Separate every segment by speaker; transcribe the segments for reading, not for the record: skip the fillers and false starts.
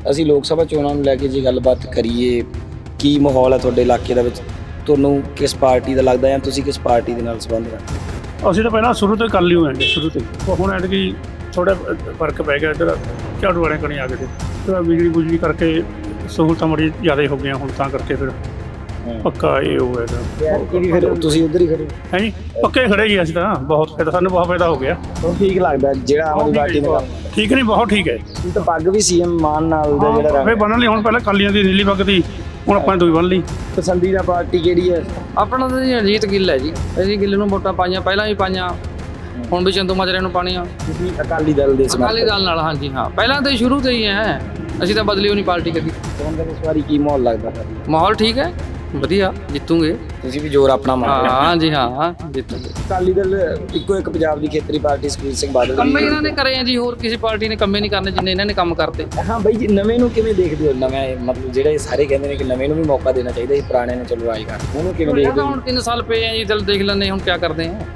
Speaker 1: ਅਸੀਂ ਲੋਕ ਸਭਾ ਚੋਣਾਂ ਨੂੰ ਲੈ ਕੇ ਜੇ ਗੱਲਬਾਤ ਕਰੀਏ, ਕੀ ਮਾਹੌਲ ਹੈ ਤੁਹਾਡੇ ਇਲਾਕੇ ਦੇ ਵਿੱਚ? ਤੁਹਾਨੂੰ ਕਿਸ ਪਾਰਟੀ ਦਾ ਲੱਗਦਾ ਜਾਂ ਤੁਸੀਂ ਕਿਸ ਪਾਰਟੀ ਦੇ ਨਾਲ ਸੰਬੰਧ ਰੱਖਦੇ?
Speaker 2: ਅਸੀਂ ਤਾਂ ਪਹਿਲਾਂ ਸ਼ੁਰੂ ਤੋਂ ਹੀ ਕਰ ਲਈ ਹੋਏ ਸ਼ੁਰੂ ਤੋਂ ਹੁਣ ਐਤਕੀ ਥੋੜਾ ਫਰਕ ਪੈ ਗਿਆ। ਇੱਧਰ ਝਾੜੂ ਵਾਲੇ ਕਣੀ ਆ ਗਏ ਤੇ ਬਿਜਲੀ ਬੁਜਲੀ ਕਰਕੇ ਸਹੂਲਤਾਂ ਬੜੀ ਜ਼ਿਆਦਾ ਹੋ ਗਈਆਂ ਹੁਣ, ਤਾਂ ਕਰਕੇ ਫਿਰ ਪੱਕਾ ਇਹ ਹੋ ਹੈਗਾ।
Speaker 1: ਫਿਰ ਤੁਸੀਂ ਉੱਧਰ ਹੀ ਖੜੇ
Speaker 2: ਹੈ ਜੀ, ਪੱਕੇ ਖੜੇ ਜੀ ਅਸੀਂ ਤਾਂ। ਬਹੁਤ ਫਾਇਦਾ, ਸਾਨੂੰ ਬਹੁਤ ਫਾਇਦਾ ਹੋ ਗਿਆ।
Speaker 1: ਹੁਣ ਠੀਕ ਲੱਗਦਾ ਜਿਹੜਾ ਆਮ ਆਦਮੀ ਪਾਰਟੀ ਨੇ ਕੰਮ
Speaker 2: ਠੀਕ ਨਹੀਂ, ਬਹੁਤ ਠੀਕ ਹੈ।
Speaker 1: ਤੁਸੀਂ ਤਾਂ ਪੱਗ ਵੀ ਸੀਐਮ ਮਾਨ ਨਾਲ ਦਾ ਜਿਹੜਾ
Speaker 2: ਫਿਰ ਬੰਨ੍ਹ ਲਈ ਹੁਣ, ਪਹਿਲਾਂ ਕਾਲੀਆਂ ਦੀ ਨੀਲੀ ਪੱਗ ਦੀ, ਹੁਣ ਆਪਾਂ ਨੇ ਦੂਈ ਬੰਨ੍ਹ ਲਈ।
Speaker 1: ਪਸੰਦੀਦਾ ਪਾਰਟੀ ਕਿਹੜੀ ਹੈ?
Speaker 3: ਆਪਣਾ ਤਾਂ ਜੀ ਅਜੀਤ ਗਿੱਲ ਹੈ ਜੀ। ਅਸੀਂ ਗਿੱਲ ਨੂੰ ਵੋਟਾਂ ਪਾਈਆਂ, ਪਹਿਲਾਂ ਵੀ ਪਾਈਆਂ, ਹੁਣ ਵੀ ਚੰਦੂ ਮਾਜਰੇ ਨੂੰ ਪਾਣੀਆਂ।
Speaker 1: ਤੁਸੀਂ ਅਕਾਲੀ ਦਲ ਦੇ
Speaker 3: ਅਕਾਲੀ ਦਲ ਨਾਲ? ਹਾਂਜੀ ਹਾਂ, ਪਹਿਲਾਂ ਤਾਂ ਸ਼ੁਰੂ ਤੋਂ ਹੀ ਹੈ, ਅਸੀਂ ਤਾਂ ਬਦਲੀ ਹੋਣੀ ਪਾਰਟੀ ਕਦੀ।
Speaker 1: ਹੁਣ ਦਾ ਇਸ ਵਾਰੀ ਕੀ ਮਾਹੌਲ ਲੱਗਦਾ?
Speaker 3: ਮਾਹੌਲ ਠੀਕ ਹੈ, ਵਧੀਆ, ਜਿੱਤੂਗੇ।
Speaker 1: ਤੁਸੀਂ ਵੀ ਜ਼ੋਰ ਆਪਣਾ ਮਾਰ ਰਹੇ ਹੋ।
Speaker 3: ਹਾਂ ਜੀ ਹਾਂ, ਜਿੱਤੂਗੇ।
Speaker 1: ਅਕਾਲੀ ਦਲ ਇੱਕੋ ਇੱਕ ਪੰਜਾਬ ਦੀ ਖੇਤਰੀ ਪਾਰਟੀ ਸੁਖਬੀਰ ਸਿੰਘ ਬਾਦਲ
Speaker 3: ਕੰਮ ਇਹਨਾਂ ਨੇ ਕਰੇ ਆ ਜੀ, ਹੋਰ ਕਿਸੇ ਪਾਰਟੀ ਨੇ ਕੰਮੇ ਨਹੀਂ ਕਰਨੇ ਜਿੰਨੇ ਇਹਨਾਂ ਨੇ ਕੰਮ ਕਰਤੇ।
Speaker 1: ਹਾਂ ਬਾਈ ਜੀ, ਨਵੇਂ ਨੂੰ ਕਿਵੇਂ ਦੇਖਦੇ ਹੋ? ਨਵੇਂ ਮਤਲਬ ਜਿਹੜੇ ਸਾਰੇ ਕਹਿੰਦੇ ਨੇ ਕਿ ਨਵੇਂ ਨੂੰ ਵੀ ਮੌਕਾ ਦੇਣਾ ਚਾਹੀਦਾ ਸੀ, ਪੁਰਾਣੇ ਨੇ ਚਲੋ ਆਈ ਕਰ, ਉਹਨੂੰ ਕਿਵੇਂ ਦੇਖਦੇ ਹੋ?
Speaker 3: ਹੁਣ 3 ਸਾਲ ਪਏ ਆ ਜੀ, ਦਿਲ ਦੇਖ ਲੈਂਦੇ ਹੁਣ ਕੀ ਕਰਦੇ ਆ।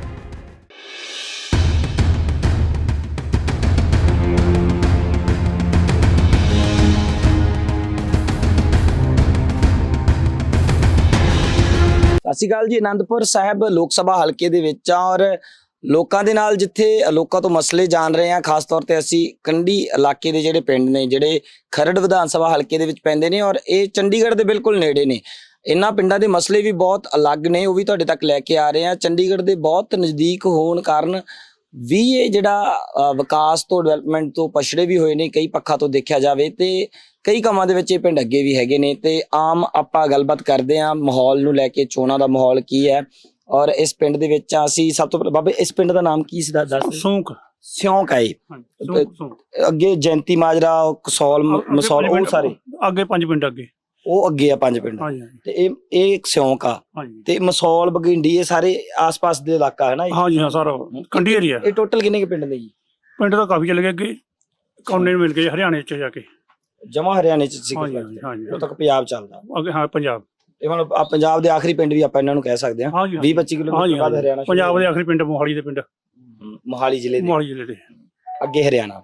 Speaker 1: ਸਤਿ ਸ਼੍ਰੀ ਅਕਾਲ ਜੀ। ਅਨੰਦਪੁਰ ਸਾਹਿਬ ਲੋਕ ਸਭਾ ਹਲਕੇ ਦੇ ਵਿੱਚ ਆ ਔਰ ਲੋਕਾਂ ਦੇ ਨਾਲ ਜਿੱਥੇ ਲੋਕਾਂ ਤੋਂ ਮਸਲੇ ਜਾਣ ਰਹੇ ਆ। ਖਾਸ ਤੌਰ ਤੇ ਅਸੀਂ ਕੰਢੀ ਇਲਾਕੇ ਦੇ ਜਿਹੜੇ ਪਿੰਡ ਨੇ, ਜਿਹੜੇ ਖਰੜ ਵਿਧਾਨ ਸਭਾ ਹਲਕੇ ਦੇ ਵਿੱਚ ਪੈਂਦੇ ਨੇ ਔਰ ਇਹ ਚੰਡੀਗੜ੍ਹ ਦੇ ਬਿਲਕੁਲ ਨੇੜੇ ਨੇ। ਇਹਨਾਂ ਪਿੰਡਾਂ ਦੇ ਮਸਲੇ ਵੀ ਬਹੁਤ ਅਲੱਗ ਨੇ, ਉਹ ਵੀ ਤੁਹਾਡੇ ਤੱਕ ਲੈ ਕੇ ਆ ਰਹੇ ਆ। ਚੰਡੀਗੜ੍ਹ ਦੇ ਬਹੁਤ ਨਜ਼ਦੀਕ ਹੋਣ ਕਾਰਨ ਵੀ ਇਹ ਜਿਹੜਾ ਵਿਕਾਸ ਤੋਂ, ਡਿਵੈਲਪਮੈਂਟ ਤੋਂ ਪਛੜੇ ਵੀ ਹੋਏ ਨੇ ਕਈ ਪੱਖਾਂ ਤੋਂ ਦੇਖਿਆ ਜਾਵੇ, ਤੇ ਕਈ ਕੰਮਾਂ ਦੇ ਵਿੱਚ ਇਹ ਪਿੰਡ ਅੱਗੇ ਵੀ ਹੈਗੇ ਨੇ। ਤੇ ਆਮ ਆਪਾਂ ਗੱਲਬਾਤ ਕਰਦੇ ਹਾਂ ਮਾਹੌਲ ਨੂੰ ਲੈ ਕੇ, ਚੋਣਾਂ ਦਾ ਮਾਹੌਲ ਕੀ ਹੈ। ਔਰ ਇਸ ਪਿੰਡ ਦੇ ਵਿੱਚ ਅਸੀਂ ਸਭ ਤੋਂ ਪਹਿਲਾਂ, ਬਾਬੇ ਇਸ ਪਿੰਡ ਦਾ ਨਾਮ ਕੀ ਸੀ ਦੱਸ?
Speaker 2: ਸੌਂਕ
Speaker 1: ਸਿਉਂਕ ਹੈ। ਅੱਗੇ ਜੈਂਤੀ ਮਾਜਰਾ, ਕਸੌਲ, ਮਸੌਲ, ਉਹ ਸਾਰੇ
Speaker 2: ਅੱਗੇ 5 ਪਿੰਡ ਅੱਗੇ,
Speaker 1: ਉਹ ਅੱਗੇ ਆ 5 ਪਿੰਡ। ਤੇ ਇਹ ਇੱਕ ਸਿਉਂਕ ਆ ਤੇ ਮਸੌਲ, ਬਗਿੰਡੀ, ਇਹ ਸਾਰੇ ਆਸ-ਪਾਸ ਦੇ ਇਲਾਕਾ ਹੈ ਨਾ?
Speaker 2: ਹਾਂਜੀ ਹਾਂ, ਸਾਰਾ ਕੰਢੀ ਏਰੀਆ।
Speaker 1: ਇਹ ਟੋਟਲ ਕਿੰਨੇ ਕੁ ਪਿੰਡ ਨੇ ਜੀ?
Speaker 2: ਪਿੰਡ ਤਾਂ ਕਾਫੀ ਚਲੇ ਗਏ ਅੱਗੇ, ਕੌਨੇ ਨੂੰ ਮਿਲ ਗਏ ਹਰਿਆਣੇ ਚ ਜਾ ਕੇ।
Speaker 1: ਜਮਾ ਹਰਿਆਣੇ ਚ ਸੀ,
Speaker 2: ਹਾਂਜੀ,
Speaker 1: ਉਹ ਤੱਕ ਪੰਜਾਬ ਚੱਲਦਾ
Speaker 2: ਅੱਗੇ। ਹਾਂ, ਪੰਜਾਬ।
Speaker 1: ਇਹ ਮਤਲਬ ਪੰਜਾਬ ਦੇ ਆਖਰੀ ਪਿੰਡ ਵੀ ਆਪਾਂ ਇਹਨਾਂ ਨੂੰ ਕਹਿ ਸਕਦੇ ਹਾਂ। 20-25 ਕਿਲੋਮੀਟਰ ਬਾਅਦ ਹਰਿਆਣਾ।
Speaker 2: ਪੰਜਾਬ ਦੇ ਆਖਰੀ ਪਿੰਡ ਮੋਹਾਲੀ ਦੇ ਪਿੰਡ,
Speaker 1: ਮੋਹਾਲੀ ਜ਼ਿਲ੍ਹੇ
Speaker 2: ਦੇ
Speaker 1: ਅੱਗੇ ਹਰਿਆਣਾ।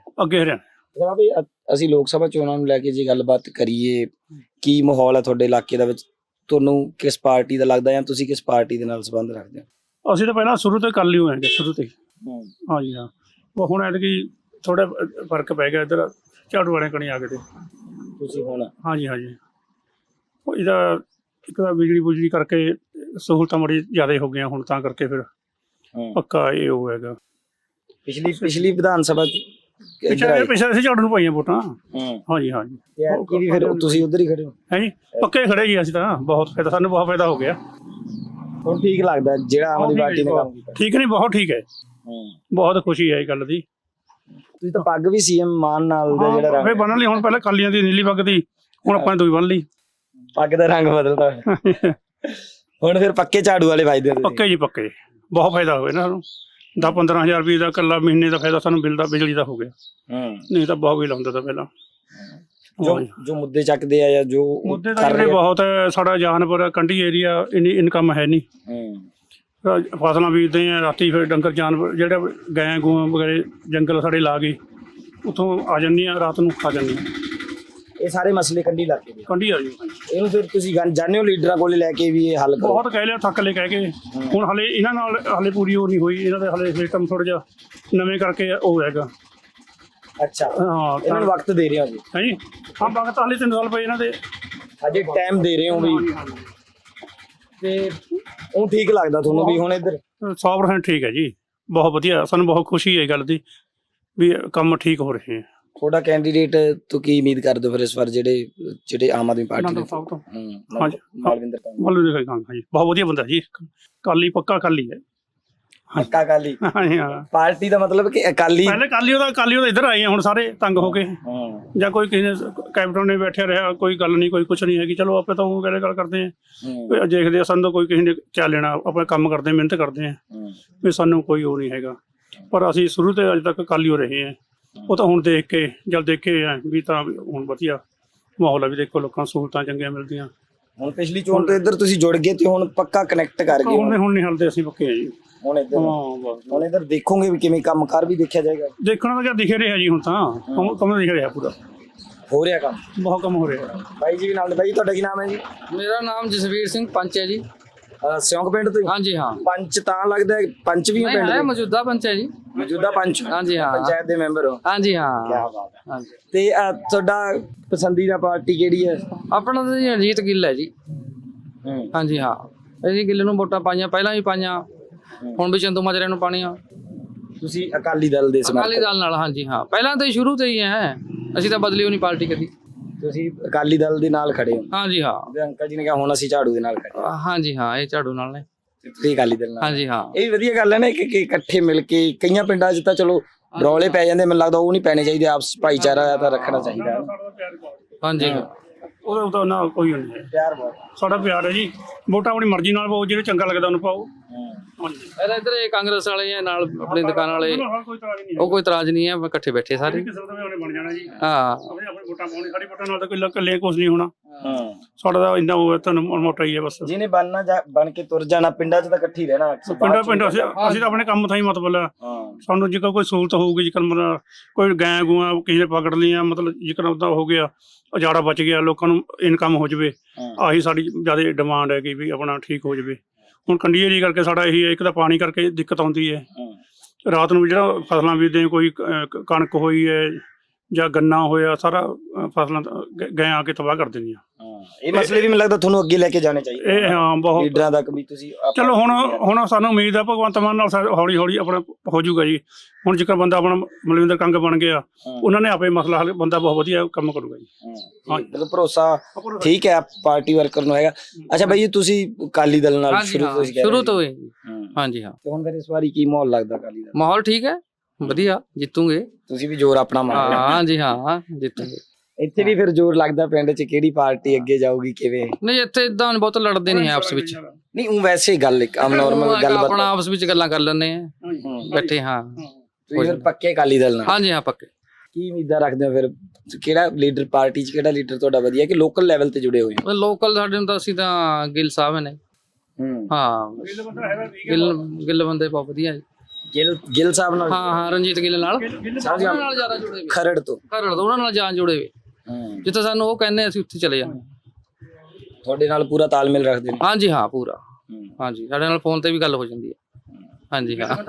Speaker 1: ਅਸੀਂ ਲੋਕ ਸਭਾ ਚੋਣਾਂ ਨੂੰ ਲੈ ਕੇ ਜੇ ਗੱਲਬਾਤ ਕਰੀਏ, ਕੀ ਮਾਹੌਲ ਹੈ ਤੁਹਾਡੇ ਇਲਾਕੇ ਦੇ ਵਿੱਚ? ਤੁਹਾਨੂੰ ਕਿਸ ਪਾਰਟੀ ਦਾ ਲੱਗਦਾ ਜਾਂ ਤੁਸੀਂ ਕਿਸ ਪਾਰਟੀ ਦੇ ਨਾਲ ਸੰਬੰਧ ਰੱਖਦੇ ਹੋ?
Speaker 2: ਅਸੀਂ ਤਾਂ ਪਹਿਲਾਂ ਸ਼ੁਰੂ ਤੋਂ ਹੀ ਕਰ ਲਈ ਹੋਏ ਸ਼ੁਰੂ ਤੋਂ ਹੀ। ਹਾਂਜੀ ਹਾਂ, ਹੁਣ ਐਤਕੀ ਥੋੜਾ ਫਰਕ ਪੈ ਗਿਆ। ਇੱਧਰ ਝਾੜੂ ਵਾਲੇ ਕਣੀ ਆ ਗਏ ਤੇ
Speaker 1: ਤੁਸੀਂ ਹੁਣ? ਹਾਂਜੀ
Speaker 2: ਹਾਂਜੀ, ਇਹਦਾ ਇੱਕ ਤਾਂ ਬਿਜਲੀ ਬੁਜਲੀ ਕਰਕੇ ਸਹੂਲਤਾਂ ਬੜੀ ਜ਼ਿਆਦਾ ਹੋ ਗਈਆਂ ਹੁਣ, ਤਾਂ ਕਰਕੇ ਫਿਰ ਪੱਕਾ ਇਹ ਹੋ ਹੈਗਾ।
Speaker 1: ਪਿਛਲੀ ਵਿਧਾਨ ਸਭਾ
Speaker 2: ਪਿਛਲੇ ਅਸੀਂ ਝਾੜੂ ਨੂੰ ਪਾਈਆਂ ਵੋਟਾਂ। ਹਾਂਜੀ ਹਾਂਜੀ,
Speaker 1: ਫਿਰ ਤੁਸੀਂ ਉੱਧਰ ਹੀ ਖੜੇ ਹੋ?
Speaker 2: ਹੈ ਜੀ, ਪੱਕੇ ਖੜੇ ਜੀ ਅਸੀਂ ਤਾਂ। ਬਹੁਤ ਫਾਇਦਾ, ਸਾਨੂੰ ਬਹੁਤ ਫਾਇਦਾ ਹੋ ਗਿਆ।
Speaker 1: ਹੁਣ ਠੀਕ ਲੱਗਦਾ ਜਿਹੜਾ ਆਮ ਆਦਮੀ ਪਾਰਟੀ ਨੇ ਕੰਮ ਕੀਤਾ?
Speaker 2: ਠੀਕ ਨਹੀਂ, ਬਹੁਤ ਠੀਕ ਹੈ। ਬਹੁਤ ਖੁਸ਼ੀ ਹੈ ਇਹ ਗੱਲ ਦੀ।
Speaker 1: ਤੁਸੀਂ ਤਾਂ ਪੱਗ ਵੀ ਸੀਐਮ ਮਾਨ ਨਾਲ ਦਾ ਜਿਹੜਾ
Speaker 2: ਫਿਰ ਬੰਨ੍ਹ ਲਈ ਹੁਣ, ਪਹਿਲਾਂ ਕਾਲੀਆਂ ਦੀ ਨੀਲੀ ਪੱਗ ਦੀ, ਹੁਣ ਆਪਾਂ ਨੇ ਦੂਈ ਬੰਨ੍ਹ ਲਈ।
Speaker 1: ਪੱਗ ਦਾ ਰੰਗ ਬਦਲਦਾ ਹੁਣ ਫਿਰ ਪੱਕੇ ਝਾੜੂ ਵਾਲੇ ਵੱਜਦੇ?
Speaker 2: ਪੱਕੇ ਜੀ, ਪੱਕੇ। ਬਹੁਤ ਫਾਇਦਾ ਹੋਇਆ ਨਾ ਸਾਨੂੰ। 10-15 ਹਜ਼ਾਰ ਰੁਪਏ ਦਾ ਇਕੱਲਾ ਮਹੀਨੇ ਦਾ ਫਾਇਦਾ ਸਾਨੂੰ ਬਿੱਲ ਦਾ, ਬਿਜਲੀ ਦਾ ਹੋ ਗਿਆ। ਨਹੀਂ ਤਾਂ ਬਹੁਤ ਵੀ ਲਾਉਂਦਾ ਤਾਂ ਪਹਿਲਾਂ।
Speaker 1: ਜੋ ਮੁੱਦੇ ਚੱਕਦੇ ਆ ਜਾਂ ਜੋ
Speaker 2: ਮੁੱਦੇ ਤਾਂ ਬਹੁਤ ਹੈ। ਸਾਡਾ ਜਾਨਵਰ ਕੰਢੀ ਏਰੀਆ, ਇੰਨੀ ਇਨਕਮ ਹੈ ਨਹੀਂ। ਫਸਲਾਂ ਬੀਜਦੇ ਆ, ਰਾਤੀ ਫਿਰ ਡੰਗਰ ਜਾਨਵਰ ਜਿਹੜੇ ਗਾਂ ਗੂਆਂ ਵਗੈਰੇ ਜੰਗਲ ਸਾਡੇ ਲਾ ਗਏ, ਉੱਥੋਂ ਆ ਜਾਂਦੀਆਂ, ਰਾਤ ਨੂੰ ਖਾ ਜਾਂਦੀਆਂ।
Speaker 1: ਇਹ ਸਾਰੇ ਮਸਲੇ ਕੰਢੀ ਇਲਾਕੇ ਦੇ?
Speaker 2: ਕੰਢੀ ਆ ਜੀ।
Speaker 1: ਇਹਨੂੰ ਫਿਰ ਤੁਸੀਂ ਜਾਣਦੇ ਹੋ ਲੀਡਰਾਂ ਕੋਲੇ ਲੈ ਕੇ ਵੀ ਇਹ ਹੱਲ ਕਰੋ?
Speaker 2: ਬਹੁਤ ਕਹਿ ਲਿਆ, ਥੱਕ ਲੈ ਕਹਿ ਕੇ। ਹੁਣ ਹਲੇ ਇਹਨਾਂ ਨਾਲ ਹਲੇ ਪੂਰੀ ਉਹ ਨਹੀਂ ਹੋਈ। ਇਹਨਾਂ ਦੇ ਹਲੇ ਸਿਸਟਮ ਥੋੜਾ ਜਿਹਾ ਨਵੇਂ ਕਰਕੇ ਉਹ ਹੈਗਾ।
Speaker 1: ਅੱਛਾ, ਹਾਂ, ਇਹਨਾਂ ਨੂੰ ਵਕਤ ਦੇ ਰਹੇ ਹੋ ਜੀ?
Speaker 2: ਹੈ ਜੀ ਹਾਂ, ਵਕਤ ਹਲੇ 3 ਸਾਲ ਪਏ ਇਹਨਾਂ ਦੇ,
Speaker 1: ਅਜੇ ਟਾਈਮ ਦੇ ਰਹੇ ਹੋ ਵੀ। ਤੇ ਉਹ ਠੀਕ ਲੱਗਦਾ ਤੁਹਾਨੂੰ ਵੀ ਹੁਣ ਇੱਧਰ?
Speaker 2: 100% ਠੀਕ ਹੈ ਜੀ, ਬਹੁਤ ਵਧੀਆ। ਸਾਨੂੰ ਬਹੁਤ ਖੁਸ਼ੀ ਹੈ ਇਹ ਗੱਲ ਦੀ ਵੀ ਕੰਮ ਠੀਕ ਹੋ ਰਹੇ ਹੈ।
Speaker 1: ਤੁਹਾਡਾ ਕੈਂਡੀਡੇਟ ਤੋਂ ਕੀ ਉਮੀਦ ਕਰਦੇ ਹੋ ਫਿਰ ਇਸ ਵਾਰ, ਜਿਹੜੇ ਆਮ ਆਦਮੀ ਪਾਰਟੀ ਦੇ?
Speaker 2: ਮਾਲਵਿੰਦਰ ਕੰਗ। ਹਾਂਜੀ, ਬਹੁਤ ਵਧੀਆ ਬੰਦਾ ਜੀ। ਕਾਲੀ, ਪੱਕਾ ਕਾਲੀ ਹੈ।
Speaker 1: ਪੱਕਾ ਅਕਾਲੀ? ਹਾਂ। ਪਾਰਟੀ ਦਾ ਮਤਲਬ ਕਿ ਅਕਾਲੀ? ਪਹਿਲੇ
Speaker 2: ਅਕਾਲੀ ਉਹਦਾ ਇੱਧਰ ਆਏ ਹੁਣ ਸਾਰੇ ਤੰਗ ਹੋ ਕੇ, ਜਾਂ ਕੋਈ ਕਿਸੇ ਨੇ ਕੈਪਟਨ ਨੇ ਬੈਠਿਆ ਰਿਹਾ, ਕੋਈ ਗੱਲ ਨਹੀਂ, ਕੋਈ ਕੁਛ ਨਹੀਂ ਹੈਗੀ। ਚਲੋ ਆਪਾਂ ਤਾਂ ਉਹ ਗੱਲ ਕਰਦੇ ਹਾਂ, ਦੇਖਦੇ ਆ। ਸਾਨੂੰ ਤਾਂ ਕੋਈ ਕਿਸੇ ਨੇ ਕਿਆ ਲੈਣਾ, ਆਪਾਂ ਕੰਮ ਕਰਦੇ, ਮਿਹਨਤ ਕਰਦੇ ਹਾਂ, ਵੀ ਸਾਨੂੰ ਕੋਈ ਉਹ ਨਹੀਂ ਹੈਗਾ। ਪਰ ਅਸੀਂ ਸ਼ੁਰੂ ਤੋਂ ਅੱਜ ਤੱਕ ਅਕਾਲੀ ਹੋ ਰਹੇ ਹਾਂ। ਉਹ ਤਾਂ ਹੁਣ ਦੇਖ ਕੇ, ਜਦ ਦੇਖੇ ਵੀ ਤਾਂ ਹੁਣ ਵਧੀਆ ਮਾਹੌਲ ਹੈ ਵੀ। ਦੇਖੋ, ਲੋਕਾਂ ਨੂੰ ਸਹੂਲਤਾਂ ਚੰਗੀਆਂ ਮਿਲਦੀਆਂ।
Speaker 1: ਹੁਣ ਪਿਛਲੀ ਚੋਣ ਤੋਂ ਇੱਧਰ ਤੁਸੀਂ ਜੁੜ ਗਏ ਤੇ ਹੁਣ ਪੱਕਾ ਕਨੈਕਟ ਕਰ ਗਏ?
Speaker 2: ਹੁਣ ਨਹੀਂ ਹਲਦੇ, ਅਸੀਂ ਪੱਕੇ ਆ ਜੀ।
Speaker 1: ਹੁਣ ਇੱਧਰ ਦੇਖੋਗੇ ਵੀ ਕਿਵੇਂ ਕੰਮ ਕਾਰ ਵੀ ਦੇਖਿਆ ਜਾਏਗਾ?
Speaker 2: ਦੇਖਣਾ ਤਾਂ ਕਿਆ ਦਿਖ ਰਿਹਾ ਜੀ ਹੁਣ ਤਾਂ, ਕੰਮ ਦਿਖ ਰਿਹਾ ਪੂਰਾ।
Speaker 1: ਹੋ ਰਿਹਾ ਕੰਮ?
Speaker 2: ਬਹੁਤ ਕੰਮ ਹੋ ਰਿਹਾ।
Speaker 1: ਬਾਈ ਜੀ ਵੀ ਨਾਲ ਨੇ। ਬਾਈ ਤੁਹਾਡਾ ਕੀ ਨਾਮ ਹੈ ਜੀ?
Speaker 3: ਮੇਰਾ ਨਾਮ ਜਸਵੀਰ ਸਿੰਘ ਪੰਚ ਹੈ ਜੀ।
Speaker 1: ਸਿਉਂਕ ਪਿੰਡ ਤੋਂ ਹੀ?
Speaker 3: ਹਾਂਜੀ ਹਾਂ।
Speaker 1: ਪੰਚ ਤਾਂ ਲੱਗਦਾ ਹੈ, ਪੰਚ ਵੀ ਹੋ
Speaker 3: ਨਹੀਂ
Speaker 1: ਪਿੰਡ
Speaker 3: ਹੈ,
Speaker 1: ਦੇ?
Speaker 3: ਮੌਜੂਦਾ ਪੰਚ ਹੈ ਜੀ।
Speaker 1: ਮੌਜੂਦਾ ਪੰਚ?
Speaker 3: ਹਾਂਜੀ ਹਾਂ।
Speaker 1: ਪੰਚਾਇਤ ਦੇ ਮੈਂਬਰ ਹੋ?
Speaker 3: ਹਾਂਜੀ ਹਾਂ।
Speaker 1: ਕਿਆ ਬਾਤ ਹੈ।
Speaker 3: ਹਾਂਜੀ।
Speaker 1: ਤੇ ਤੁਹਾਡਾ ਪਸੰਦੀਦਾ ਪਾਰਟੀ ਕਿਹੜੀ ਹੈ?
Speaker 3: ਆਪਣਾ ਤਾਂ ਜੀ ਅਜੀਤ ਗਿੱਲ ਹੈ ਜੀ।
Speaker 1: ਹੂੰ।
Speaker 3: ਹਾਂਜੀ ਹਾਂ। ਅਸੀਂ ਗਿੱਲ ਨੂੰ ਵੋਟਾਂ ਪਾਈਆਂ, ਪਹਿਲਾਂ ਵੀ ਪਾਈਆਂ, ਹੁਣ ਵੀ ਚੰਦੂ ਮਾਜਰੇ ਨੂੰ ਪਾਣੀਆਂ।
Speaker 1: ਤੁਸੀਂ ਅਕਾਲੀ ਦਲ ਦੇ
Speaker 3: ਅਕਾਲੀ
Speaker 1: ਸਮਰਥਕ?
Speaker 3: ਦਲ ਨਾਲ। ਹਾਂਜੀ ਹਾਂ, ਪਹਿਲਾਂ ਤਾਂ ਹੀ ਸ਼ੁਰੂ ਤੋਂ ਹੀ ਹੈ, ਅਸੀਂ ਤਾਂ ਬਦਲੀ ਹੋਣੀ ਪਾਰਟੀ ਕਦੀ।
Speaker 1: ਤੁਸੀਂ ਅਕਾਲੀ ਦਲ ਦੇ ਨਾਲ ਖੜੇ ਹੋ?
Speaker 3: ਹਾਂਜੀ ਹਾਂ।
Speaker 1: ਤੇ ਅੰਕਲ ਜੀ ਨੇ ਕਿਹਾ ਹੁਣ ਅਸੀਂ ਝਾੜੂ ਦੇ ਨਾਲ ਖੜੇ ਹਾਂ।
Speaker 3: ਹਾਂਜੀ ਹਾਂ, ਇਹ ਝਾੜੂ ਨਾਲ ਨੇ।
Speaker 1: ਤੇ ਤੁਸੀਂ ਅਕਾਲੀ ਦਲ ਨਾਲ?
Speaker 3: ਹਾਂਜੀ ਹਾਂ।
Speaker 1: ਇਹ ਵੀ ਵਧੀਆ ਗੱਲ ਹੈ ਨਾ ਕਿ ਇਕੱਠੇ ਮਿਲ ਕੇ। ਕਈਆਂ ਪਿੰਡਾਂ 'ਚ ਤਾਂ ਚਲੋ ਰੌਲੇ ਪੈ ਜਾਂਦੇ, ਮੈਨੂੰ ਲੱਗਦਾ ਉਹ ਨਹੀਂ ਪੈਣੇ ਚਾਹੀਦੇ। ਆਪਸ ਭਾਈਚਾਰਾ ਤਾਂ ਰੱਖਣਾ ਚਾਹੀਦਾ ਹੈ।
Speaker 3: ਹਾਂਜੀ
Speaker 2: ਉਹਦਾ ਤਾਂ ਨਾ ਕੋਈ ਨਹੀਂ ਹੈ।
Speaker 1: ਪਿਆਰ ਬਹੁਤ।
Speaker 2: ਸਾਡਾ ਪਿਆਰ ਹੈ ਜੀ। ਵੋਟਾਂ ਆਪਣੀ ਮਰਜ਼ੀ ਨਾਲ ਪਾਓ, ਜਿਹੜੇ ਚੰਗਾ ਲੱਗਦਾ ਉਹਨੂੰ ਪਾਓ। ਹਾਂਜੀ।
Speaker 3: ਇੱਧਰ ਇਹ ਕਾਂਗਰਸ ਵਾਲੇ ਆ ਨਾਲ, ਆਪਣੀ ਦੁਕਾਨ ਵਾਲੇ,
Speaker 2: ਕੋਈ ਤਰ੍ਹਾਂ ਨਹੀਂ
Speaker 3: ਉਹ ਕੋਈ ਇਤਰਾਜ਼ ਨਹੀਂ ਹੈ, ਇਕੱਠੇ ਬੈਠੇ ਸਾਰੇ।
Speaker 2: ਕਿਸੇ ਦਾ ਉਹਨੇ ਬਣ ਜਾਣਾ ਜੀ।
Speaker 3: ਹਾਂ
Speaker 2: ਆਪਣੇ ਵੋਟਾਂ ਪਾਉਣੀ, ਸਾਡੀ ਵੋਟਾਂ ਨਾਲ ਤਾਂ ਕੋਈ ਇਕੱਲੇ ਕੁਝ ਨਹੀਂ ਹੋਣਾ।
Speaker 1: ਹਾਂ।
Speaker 2: ਸਾਡਾ ਤਾਂ ਇੰਨਾ ਉਹ ਤੁਹਾਨੂੰ ਮੋਟਾ ਹੀ ਹੈ ਬਸ।
Speaker 1: ਜਿਹਨੇ ਬਣ ਕੇ ਤੁਰ ਜਾਣਾ, ਪਿੰਡਾਂ 'ਚ ਤਾਂ ਇਕੱਠੀ ਰਹਿਣਾ।
Speaker 2: ਪਿੰਡ ਅਸੀਂ ਤਾਂ ਆਪਣੇ ਕੰਮ ਥਾਈ ਮਤਲਬ ਹੈ।
Speaker 1: ਹਾਂ।
Speaker 2: ਸਾਨੂੰ ਜੇਕਰ ਕੋਈ ਸਹੂਲਤ ਹੋਊਗੀ, ਜੇਕਰ ਮਤਲਬ ਕੋਈ ਗਾਂ ਗੂਆਂ ਕਿਸੇ ਨੇ ਪਕੜ ਲਈਆਂ, ਮਤਲਬ ਜੇਕਰ ਉਹਦਾ ਹੋ ਗਿਆ, ਉਜਾੜਾ ਬਚ ਗਿਆ, ਲੋਕਾਂ ਨੂੰ ਇਨਕਮ ਹੋ ਜਾਵੇ, ਆਹੀ ਸਾਡੀ ਜ਼ਿਆਦਾ ਡਿਮਾਂਡ ਹੈ ਕਿ ਵੀ ਆਪਣਾ ਠੀਕ ਹੋ ਜਾਵੇ। ਹੁਣ ਕੰਡੀ ਏਰੀਆ ਕਰਕੇ ਸਾਡਾ ਇਹੀ ਹੈ, ਇੱਕ ਤਾਂ ਪਾਣੀ ਕਰਕੇ ਦਿੱਕਤ ਆਉਂਦੀ ਹੈ। ਰਾਤ ਨੂੰ ਵੀ ਜਿਹੜਾ ਫਸਲਾਂ ਬੀਜਦੇ, ਕੋਈ ਕਣਕ ਹੋਈ ਹੈ ਜਾਂ ਗੰਨਾ ਹੋਇਆ, ਸਾਰਾ ਫਸਲਾਂ ਗਾਂ ਆ ਕੇ ਤਬਾਹ ਕਰ ਦਿੰਦੀਆਂ।
Speaker 1: ਇਹ ਮਸਲੇ ਵੀ ਮੈਨੂੰ ਲੱਗਦਾ ਤੁਹਾਨੂੰ ਅੱਗੇ ਲੈ ਕੇ ਜਾਣੇ ਚਾਹੀਦੇ
Speaker 2: ਇਹ ਹਾਂ ਬਹੁਤ
Speaker 1: ਲੀਡਰਾਂ ਤੱਕ ਵੀ। ਤੁਸੀਂ
Speaker 2: ਚਲੋ ਹੁਣ ਸਾਨੂੰ ਉਮੀਦ ਆ ਭਗਵੰਤ ਮਾਨ ਨਾਲ ਹੌਲੀ ਹੌਲੀ ਆਪਣਾ ਹੋ ਜਾਊਗਾ ਜੀ। ਹੁਣ ਜੇਕਰ ਬੰਦਾ ਆਪਣਾ ਮਲਵਿੰਦਰ ਕੰਗ ਬਣ ਗਿਆ, ਉਹਨਾਂ ਨੇ ਆਪੇ ਮਸਲਾ ਹੱਲ, ਬੰਦਾ ਬਹੁਤ ਵਧੀਆ ਕੰਮ ਕਰੂਗਾ ਜੀ।
Speaker 1: ਹਾਂ, ਮਤਲਬ ਭਰੋਸਾ ਠੀਕ ਹੈ ਪਾਰਟੀ ਵਰਕਰ ਨੂੰ ਹੈਗਾ। ਅੱਛਾ ਬਾਈ ਜੀ, ਤੁਸੀਂ ਅਕਾਲੀ ਦਲ ਨਾਲ
Speaker 3: ਸ਼ੁਰੂ ਤੋਂ ਹੀ? ਹਾਂਜੀ ਹਾਂ।
Speaker 1: ਤੇ ਹੁਣ ਫਿਰ ਇਸ ਵਾਰੀ ਕੀ ਮਾਹੌਲ ਲੱਗਦਾ ਅਕਾਲੀ ਦਲ?
Speaker 3: ਮਾਹੌਲ ਠੀਕ ਹੈ, ਵਧੀਆ, ਜਿੱਤੂਗੇ।
Speaker 1: ਤੁਸੀਂ ਵੀ ਜ਼ੋਰ ਆਪਣਾ ਮਾਰ ਰਹੇ ਹੋ?
Speaker 3: ਹਾਂਜੀ ਹਾਂ, ਜਿੱਤੂਗੇ।
Speaker 1: ਇੱਥੇ ਵੀ ਫਿਰ ਜ਼ੋਰ ਲੱਗਦਾ ਪਿੰਡ 'ਚ, ਕਿਹੜੀ ਪਾਰਟੀ ਅੱਗੇ ਜਾਊਗੀ, ਕਿਵੇਂ?
Speaker 3: ਨਹੀਂ, ਇੱਥੇ ਇਦਾਂ ਬਹੁਤ ਲੜਦੇ ਨਹੀਂ ਆਪਸ ਵਿੱਚ।
Speaker 1: ਨਹੀਂ, ਉਹ ਵੈਸੇ ਗੱਲ ਇੱਕ ਆਮ ਨਾਰਮਲ ਗੱਲ
Speaker 3: ਆਪਣਾ ਆਪਸ ਵਿੱਚ ਗੱਲਾਂ ਕਰ ਲੈਂਦੇ ਆ ਬੈਠੇ। ਹਾਂ,
Speaker 1: ਤੁਸੀਂ ਫਿਰ ਪੱਕੇ ਅਕਾਲੀ ਦਲ ਨਾਲ?
Speaker 3: ਹਾਂਜੀ ਹਾਂ, ਪੱਕੇ।
Speaker 1: ਕੀ ਉਮੀਦਾਂ ਰੱਖਦੇ ਹੋ ਫਿਰ? ਕਿਹੜਾ ਲੀਡਰ ਪਾਰਟੀ 'ਚ, ਕਿਹੜਾ ਲੀਡਰ ਤੁਹਾਡਾ ਵਧੀਆ ਕਿ ਲੋਕਲ ਲੈਵਲ ਤੇ ਜੁੜੇ ਹੋਏ ਹੋ?
Speaker 3: ਲੋਕਲ ਸਾਡੇ ਨੂੰ ਤਾਂ ਅਸੀਂ ਤਾਂ ਗਿੱਲ ਸਾਹਿਬ ਨੇ। ਹਾਂ, ਗਿੱਲ ਬੰਦੇ ਬਹੁਤ ਵਧੀਆ ਜੀ।
Speaker 1: ਗਿੱਲ ਸਾਹਿਬ ਨਾਲ?
Speaker 3: ਹਾਂ, ਰਣਜੀਤ ਗਿੱਲ ਨਾਲ ਜ਼ਿਆਦਾ ਜੁੜੇ ਹੋਏ।
Speaker 1: ਖਰੜ ਤੋਂ
Speaker 3: ਉਹਨਾਂ ਨਾਲ ਜਾਨ ਜੁੜੇ ਹੋਏ। ਜਿੱਥੇ ਸਾਨੂੰ ਉਹ ਕਹਿੰਦੇ ਅਸੀਂ ਉੱਥੇ ਚਲੇ ਜਾਂਦੇ।
Speaker 1: ਤੁਹਾਡੇ ਨਾਲ ਪੂਰਾ ਤਾਲਮੇਲ ਰੱਖਦੇ ਨੇ?
Speaker 3: ਹਾਂਜੀ ਹਾਂ, ਪੂਰਾ। ਹਾਂਜੀ, ਸਾਡੇ ਨਾਲ ਫੋਨ ਤੇ ਵੀ ਗੱਲ ਹੋ ਜਾਂਦੀ ਹੈ। ਹਾਂਜੀ ਹਾਂ।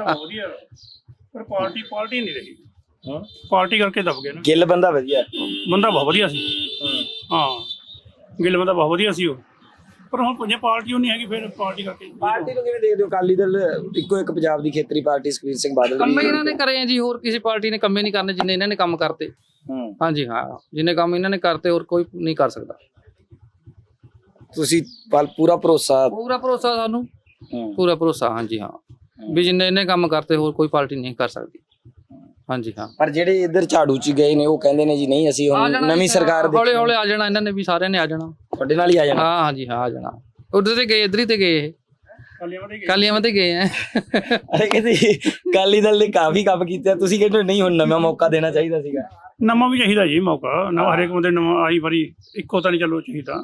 Speaker 2: ਪਰ ਪਾਰਟੀ ਨਹੀਂ ਰਹੀ। ਪਾਰਟੀ ਕਰਕੇ ਦਬ ਗਏ ਨਾ।
Speaker 1: ਗਿੱਲ ਬੰਦਾ ਵਧੀਆ?
Speaker 2: ਬੰਦਾ ਬਹੁਤ ਵਧੀਆ ਸੀ। ਹਾਂ, ਗਿੱਲ ਬੰਦਾ ਬਹੁਤ ਵਧੀਆ ਸੀ ਉਹ। ਪਰ ਹੁਣ ਪੰਜਾਂ ਪਾਰਟੀ ਉਹ ਨਹੀਂ ਹੈਗੀ, ਫਿਰ ਪਾਰਟੀ ਕਰਕੇ।
Speaker 1: ਪਾਰਟੀ ਨੂੰ ਕਿਵੇਂ ਦੇਖਦੇ ਹੋ? ਅਕਾਲੀ ਦਲ ਇੱਕੋ ਇੱਕ ਪੰਜਾਬ ਦੀ ਖੇਤਰੀ ਪਾਰਟੀ, ਸੁਖਬੀਰ ਸਿੰਘ ਬਾਦਲ
Speaker 3: ਕੰਮ ਇਹਨਾਂ ਨੇ ਕਰੇ ਆ ਜੀ, ਹੋਰ ਕਿਸੇ ਪਾਰਟੀ ਨੇ ਕੰਮੇ ਨਹੀਂ ਕਰਨੇ ਜਿੰਨੇ ਇਹਨਾਂ ਨੇ ਕੰਮ ਕਰਤੇ। ਹਾਂਜੀ ਹਾਂ, ਜਿੰਨੇ ਕੰਮ ਇਹਨਾਂ ਨੇ ਕਰਤੇ ਹੋਰ ਕੋਈ ਨਹੀਂ ਕਰ ਸਕਦਾ।
Speaker 1: ਤੁਸੀਂ ਪੂਰਾ ਭਰੋਸਾ?
Speaker 3: ਪੂਰਾ ਭਰੋਸਾ ਸਾਨੂੰ, ਪੂਰਾ ਭਰੋਸਾ। ਹਾਂਜੀ ਹਾਂ, ਵੀ ਜਿੰਨੇ ਇਹਨੇ ਕੰਮ ਕਰਤੇ ਹੋਰ ਕੋਈ ਪਾਰਟੀ ਨਹੀਂ ਕਰ ਸਕਦੀ। ਹਾਂਜੀ ਹਾਂ।
Speaker 1: ਪਰ ਜਿਹੜੇ ਇੱਧਰ ਝਾੜੂ 'ਚ ਗਏ ਨੇ ਉਹ ਕਹਿੰਦੇ ਨੇ ਜੀ ਨਹੀਂ, ਅਸੀਂ ਹੁਣ ਨਵੀਂ ਸਰਕਾਰ
Speaker 3: ਹੌਲੇ ਹੌਲੇ ਆ ਜਾਣਾ ਇਹਨਾਂ ਨੇ ਵੀ, ਸਾਰਿਆਂ ਨੇ ਆ ਜਾਣਾ।
Speaker 1: ਤੁਹਾਡੇ ਨਾਲ ਹੀ ਆ ਜਾਣਾ?
Speaker 3: ਹਾਂ ਹਾਂਜੀ ਹਾਂ, ਆ ਜਾਣਾ। ਉਧਰ ਤੇ ਗਏ, ਇੱਧਰ ਹੀ ਤੇ ਗਏ, ਇਹ ਕਾਲੀਆਂ ਤੇ ਗਏ ਆ।
Speaker 1: ਅਰੇ ਕਹਿੰਦੇ ਅਕਾਲੀ ਦਲ ਨੇ ਕਾਫੀ ਕੰਮ ਕੀਤੇ, ਤੁਸੀਂ ਕਹਿੰਦੇ ਨਹੀਂ ਹੁਣ ਨਵਾਂ ਮੌਕਾ ਦੇਣਾ ਚਾਹੀਦਾ ਸੀਗਾ?
Speaker 2: ਨਵਾਂ ਵੀ ਚਾਹੀਦਾ ਜੀ ਮੌਕਾ, ਨਵਾਂ ਹਰੇਕ ਬੰਦੇ ਨਵਾਂ ਆਈ ਵਾਰੀ ਇੱਕੋ ਤਾਂ ਨਹੀਂ ਚੱਲੋ ਚਾਹੀਦਾ।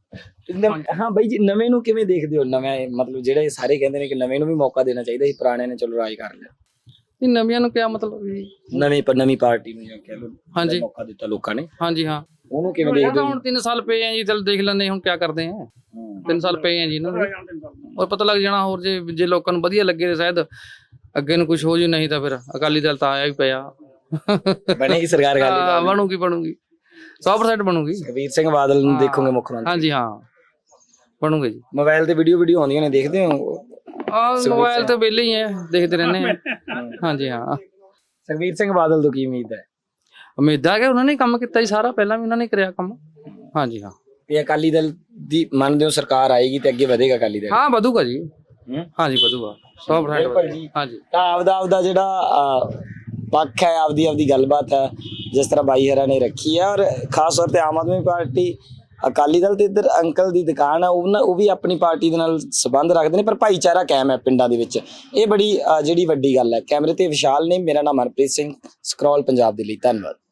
Speaker 1: ਹਾਂ ਬਾਈ ਜੀ, ਨਵੇਂ ਨੂੰ ਕਿਵੇਂ ਦੇਖਦੇ ਹੋ? ਨਵੇਂ ਮਤਲਬ ਜਿਹੜੇ ਸਾਰੇ ਕਹਿੰਦੇ ਨੇ ਕਿ ਨਵੇਂ ਨੂੰ ਵੀ ਮੌਕਾ ਦੇਣਾ ਚਾਹੀਦਾ ਸੀ, ਪੁਰਾਣੇ ਨੇ ਚਲੋ ਰਾਜ ਕਰ ਲਿਆ।
Speaker 3: ਇਹ ਨਵਿਆਂ ਨੂੰ ਕਿਆ ਮਤਲਬ ਜੀ?
Speaker 1: ਨਵੀਂ ਪਾਰਟੀ ਨੂੰ ਜਾਂ ਕਹਿ ਲਓ
Speaker 3: ਹਾਂਜੀ
Speaker 1: ਮੌਕਾ ਦਿੱਤਾ ਲੋਕਾਂ ਨੇ।
Speaker 3: ਹਾਂਜੀ ਹਾਂ,
Speaker 1: ਉਹਨੂੰ ਕਿਵੇਂ ਦੇਖਦੇ ਹੋ?
Speaker 3: ਹੁਣ 3 ਸਾਲ ਪਏ ਆ ਜੀ, ਚਲ ਦੇਖ ਲੈਂਦੇ ਹੁਣ ਕਿਆ ਕਰਦੇ ਆ। 3 ਸਾਲ ਪਏ ਆ ਜੀ ਇਹਨਾਂ ਦੇ, ਔਰ ਪਤਾ ਲੱਗ ਜਾਣਾ। ਹੋਰ ਜੇ ਲੋਕਾਂ ਨੂੰ ਵਧੀਆ ਲੱਗੇ ਤਾਂ ਸ਼ਾਇਦ ਅੱਗੇ ਨੂੰ ਕੁਝ ਹੋ ਜੂ, ਨਹੀਂ ਤਾਂ ਫਿਰ ਅਕਾਲੀ ਦਲ ਤਾਂ ਆਇਆ ਹੀ ਪਿਆ।
Speaker 1: ਬਣੇਗੀ ਸਰਕਾਰ?
Speaker 3: ਬਣੂਗੀ 100% ਬਣੂਗੀ।
Speaker 1: ਸੁਖਬੀਰ ਸਿੰਘ ਬਾਦਲ ਨੂੰ ਦੇਖੋਗੇ ਮੁੱਖ ਮੰਤਰੀ?
Speaker 3: ਹਾਂਜੀ ਹਾਂ, ਬਣੂਗੇ ਜੀ।
Speaker 1: ਮੋਬਾਈਲ ਤੇ ਵੀਡੀਓ ਆਉਂਦੀਆਂ ਨੇ, ਦੇਖਦੇ ਹੋ?
Speaker 3: ਮੋਬਾਈਲ ਤੇ ਵਿਹਲੇ ਹੀ ਆ, ਦੇਖਦੇ ਰਹਿੰਦੇ ਆ। ਹਾਂਜੀ ਹਾਂ।
Speaker 1: ਸੁਖਬੀਰ ਸਿੰਘ ਬਾਦਲ ਤੋਂ ਕੀ ਉਮੀਦ ਹੈ?
Speaker 3: ਉਮੀਦ ਹੈ ਕਿ ਉਹਨਾਂ ਨੇ ਕੰਮ ਕੀਤਾ ਜੀ ਸਾਰਾ, ਪਹਿਲਾਂ ਵੀ ਉਹਨਾਂ ਨੇ ਕਰਿਆ ਕੰਮ। ਹਾਂਜੀ ਹਾਂ।
Speaker 1: ਤੇ ਅਕਾਲੀ ਦਲ ਦੀ ਮੰਨਦੇ ਹੋ ਸਰਕਾਰ ਆਏਗੀ ਤੇ ਅੱਗੇ ਵਧੇਗਾ ਅਕਾਲੀ ਦਲ?
Speaker 3: ਹਾਂ, ਵਧੂਗਾ ਜੀ। ਹਾਂਜੀ, ਵਧੂਗਾ 100%। ਹਾਂਜੀ,
Speaker 1: ਤਾਂ ਆਪਦਾ ਜਿਹੜਾ ਪੱਖ ਹੈ, ਆਪਦੀ ਗੱਲਬਾਤ ਹੈ, ਜਿਸ ਤਰ੍ਹਾਂ ਬਾਈ ਹਰਾ ਨੇ ਰੱਖੀ ਹੈ। ਔਰ ਖਾਸ ਤੌਰ ਤੇ ਆਮ ਆਦਮੀ ਪਾਰਟੀ, ਅਕਾਲੀ ਦਲ ਤੇ ਇੱਧਰ ਅੰਕਲ ਦੀ ਦੁਕਾਨ ਹੈ, ਉਹ ਵੀ ਆਪਣੀ ਪਾਰਟੀ ਦੇ ਨਾਲ ਸੰਬੰਧ ਰੱਖਦੇ ਨੇ, ਪਰ ਭਾਈਚਾਰਾ ਕਾਇਮ ਹੈ ਪਿੰਡਾਂ ਦੇ ਵਿੱਚ। ਇਹ ਬੜੀ ਜਿਹੜੀ ਵੱਡੀ ਗੱਲ ਹੈ। ਕੈਮਰੇ ਤੇ ਵਿਸ਼ਾਲ ਨੇ, ਮੇਰਾ ਨਾਮ ਹਰਪ੍ਰੀਤ ਸਿੰਘ, ਸਕਰੋਲ ਪੰਜਾਬ ਦੇ ਲਈ। ਧੰਨਵਾਦ।